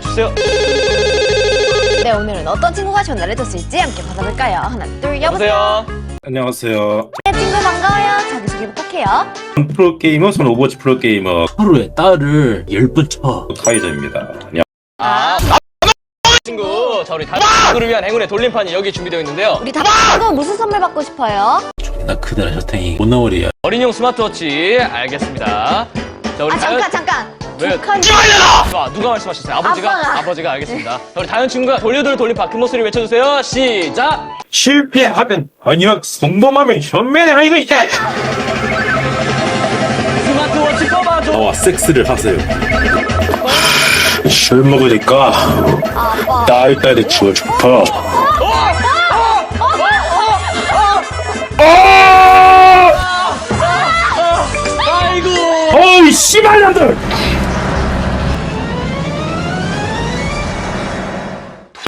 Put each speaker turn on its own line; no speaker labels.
주세요.
네, 오늘은 어떤 친구가 전화를 줬을지 함께 받아볼까요? 하나, 둘,
여보세요.
안녕하세요.
네, 친구 반가워요. 자기소개 부탁해요.
프로게이머, 저는 오버워치 프로게이머
하루에 딸을 10번 쳐.
카이저입니다. 안녕.
친구, 자 우리 다그를 위한 행운의 돌림판이 여기 준비되어 있는데요.
우리 다 친구 무슨 선물 받고 싶어요?
나 그날 셔탱이 못 나오리야.
어린이용 스마트워치 알겠습니다. 자 우리
잠깐.
왜?
북한
누가 말씀하셨어요? 아버지가?
아빠가.
아버지가 알겠습니다. 자 우리 다현 친구가 돌려돌 돌림판 큰 목소리 외쳐주세요. 시작.
실패하면 아니야 성범하면 현면에 아이고 이제
스마트워치 뽑아줘.
나와 섹스를 하세요. 술 먹으니까
아빠.
딸딸이 주고 싶어.
아이고.
어이 씨발년들!